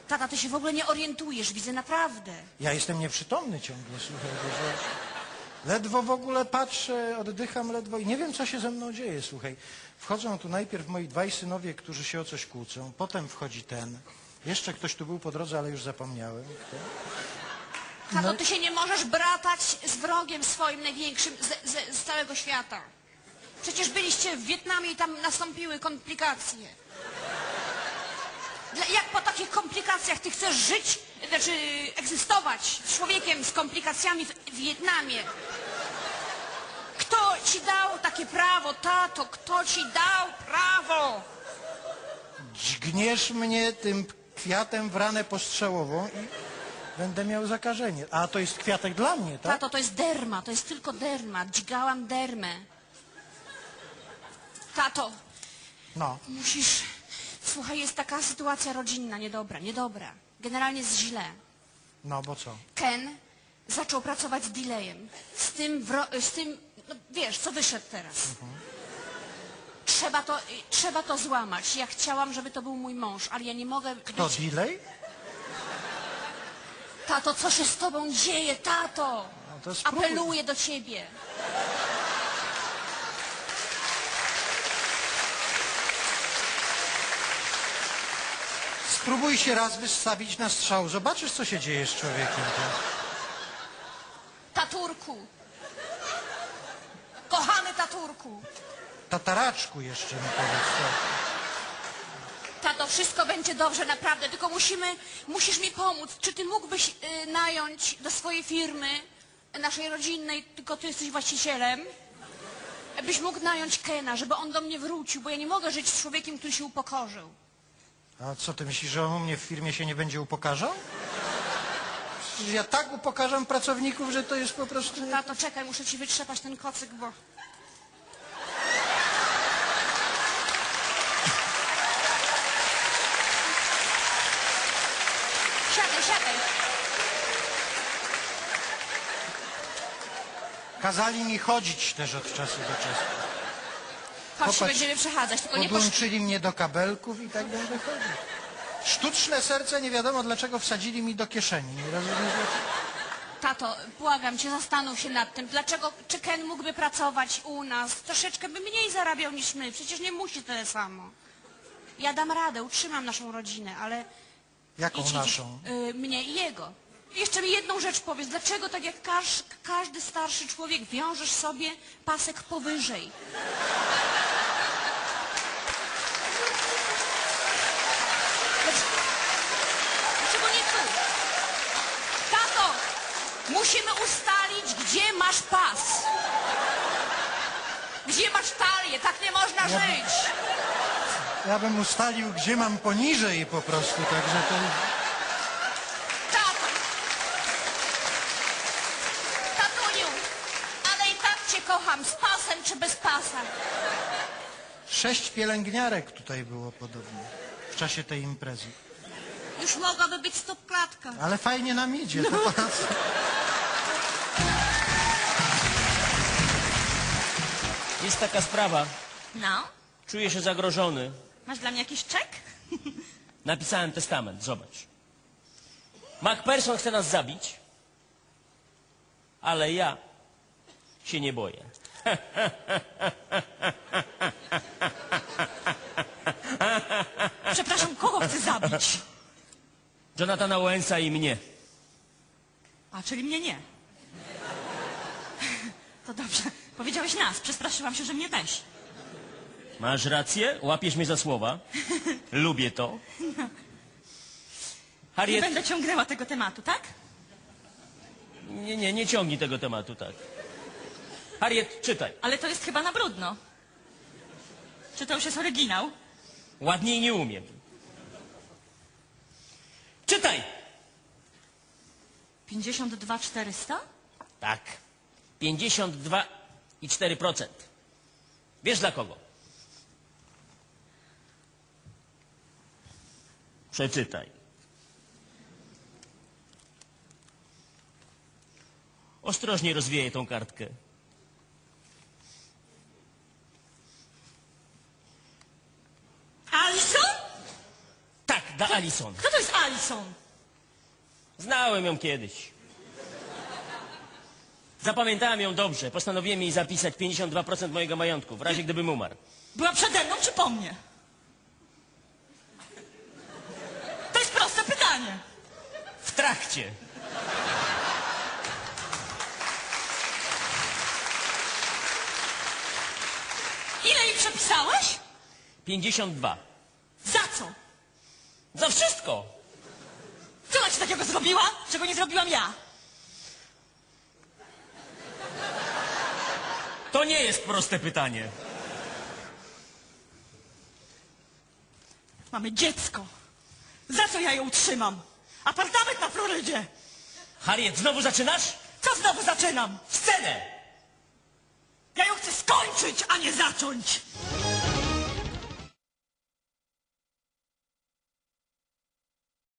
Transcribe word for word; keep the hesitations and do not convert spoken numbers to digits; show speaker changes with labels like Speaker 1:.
Speaker 1: Tata, ty się w ogóle nie orientujesz, widzę, naprawdę.
Speaker 2: Ja jestem nieprzytomny ciągle, słuchaj, że ledwo w ogóle patrzę, oddycham ledwo i nie wiem, co się ze mną dzieje, słuchaj. Wchodzą tu najpierw moi dwaj synowie, którzy się o coś kłócą, potem wchodzi ten, jeszcze ktoś tu był po drodze, ale już zapomniałem, kto.
Speaker 1: Tato, ty się nie możesz bratać z wrogiem swoim największym z, z, z całego świata. Przecież byliście w Wietnamie i tam nastąpiły komplikacje. Dla, jak po takich komplikacjach ty chcesz żyć, znaczy egzystować z człowiekiem z komplikacjami w, w Wietnamie? Kto ci dał takie prawo, tato? Kto ci dał prawo?
Speaker 2: Dźgniesz mnie tym kwiatem w ranę postrzałową i będę miał zakażenie. A to jest kwiatek dla mnie, tak?
Speaker 1: Tato, to jest derma, to jest tylko derma. Dźgałam dermę. Tato,
Speaker 2: No.
Speaker 1: musisz... Słuchaj, jest taka sytuacja rodzinna, niedobra, niedobra. Generalnie jest źle.
Speaker 2: No, bo co?
Speaker 1: Ken zaczął pracować z delayem. Z tym, wro... z tym, no wiesz, co wyszedł teraz. Mhm. Trzeba to, trzeba to złamać. Ja chciałam, żeby to był mój mąż, ale ja nie mogę
Speaker 2: Kto,
Speaker 1: być...
Speaker 2: delay?
Speaker 1: Tato, co się z tobą dzieje, tato?
Speaker 2: No to spróbuj.
Speaker 1: Apeluję do ciebie.
Speaker 2: Spróbuj się raz wystawić na strzał. Zobaczysz, co się dzieje z człowiekiem.
Speaker 1: Taturku. Kochany taturku.
Speaker 2: Tataraczku jeszcze mi powiedz. Co?
Speaker 1: Tato, wszystko będzie dobrze, naprawdę, tylko musimy, musisz mi pomóc. Czy ty mógłbyś y, nająć do swojej firmy, naszej rodzinnej, tylko ty jesteś właścicielem, byś mógł nająć Kena, żeby on do mnie wrócił, bo ja nie mogę żyć z człowiekiem, który się upokorzył.
Speaker 2: A co, ty myślisz, że on u mnie w firmie się nie będzie upokarzał? Przecież ja tak upokarzam pracowników, że to jest po prostu...
Speaker 1: Tato, czekaj, muszę ci wytrzepać ten kocyk, bo... Siadaj, siadaj.
Speaker 2: Kazali mi chodzić też od czasu do czasu.
Speaker 1: Chodź, się
Speaker 2: Popatrz,
Speaker 1: będziemy przechadzać, tylko nie posz...
Speaker 2: Podłączyli mnie do kabelków i tak będę chodził. Sztuczne serce nie wiadomo dlaczego wsadzili mi do kieszeni. Nie rozumiem dlaczego.
Speaker 1: Tato, błagam cię, zastanów się nad tym. Dlaczego, czy Ken mógłby pracować u nas? Troszeczkę by mniej zarabiał niż my. Przecież nie musi tyle samo. Ja dam radę, utrzymam naszą rodzinę, ale...
Speaker 2: Jaką
Speaker 1: Idź, idź,
Speaker 2: naszą?
Speaker 1: y, mnie i jego. Jeszcze mi jedną rzecz powiedz. Dlaczego tak jak każ, każdy starszy człowiek wiążesz sobie pasek powyżej? Dlaczego, dlaczego nie tu? Tato, musimy ustalić, gdzie masz pas. Gdzie masz talię? Tak nie można
Speaker 2: Ja-
Speaker 1: żyć.
Speaker 2: Ja bym ustalił, gdzie mam poniżej po prostu, także to...
Speaker 1: Tato! Tatuniu! Ale i tak cię kocham, z pasem czy bez pasa.
Speaker 2: Sześć pielęgniarek tutaj było podobnie w czasie tej imprezy.
Speaker 1: Już mogłaby być stopklatka.
Speaker 2: Ale fajnie nam idzie, to po raz...
Speaker 3: Jest taka sprawa.
Speaker 4: No?
Speaker 3: Czuję się zagrożony.
Speaker 4: Masz dla mnie jakiś czek?
Speaker 3: Napisałem testament, zobacz. MacPherson chce nas zabić, ale ja się nie boję.
Speaker 4: Przepraszam, kogo chcę zabić?
Speaker 3: Jonathana Owensa i mnie.
Speaker 4: A, czyli mnie nie. To dobrze. Powiedziałeś nas. Przestraszyłam się, że mnie też.
Speaker 3: Masz rację, łapiesz mnie za słowa. Lubię to.
Speaker 4: Nie
Speaker 3: Harriet...
Speaker 4: będę ciągnęła tego tematu, tak?
Speaker 3: Nie, nie, nie ciągnij tego tematu, tak. Harriet, czytaj.
Speaker 4: Ale to jest chyba na brudno. Czy to już jest oryginał?
Speaker 3: Ładniej nie umiem. Czytaj!
Speaker 4: pięćdziesiąt dwa czterysta?
Speaker 3: Tak. pięćdziesiąt dwa i cztery procent. Wiesz dla kogo? Przeczytaj. Ostrożnie rozwijaj tą kartkę.
Speaker 4: Alison?
Speaker 3: Tak, da Alison.
Speaker 4: Kto to jest Alison?
Speaker 3: Znałem ją kiedyś. Zapamiętałem ją dobrze. Postanowiłem jej zapisać pięćdziesiąt dwa procent mojego majątku, w razie gdybym umarł.
Speaker 4: Była przede mną czy po mnie? To jest proste pytanie.
Speaker 3: W trakcie.
Speaker 4: Ile jej przepisałeś?
Speaker 3: pięćdziesiąt dwa.
Speaker 4: Za co?
Speaker 3: Za wszystko.
Speaker 4: Co ona ci takiego zrobiła, czego nie zrobiłam ja?
Speaker 3: To nie jest proste pytanie.
Speaker 4: Mamy dziecko. Za co ja ją utrzymam? Apartament na Florydzie.
Speaker 3: Harriet, znowu zaczynasz?
Speaker 4: Co znowu zaczynam?
Speaker 3: Scenę!
Speaker 4: Ja ją chcę skończyć, a nie zacząć.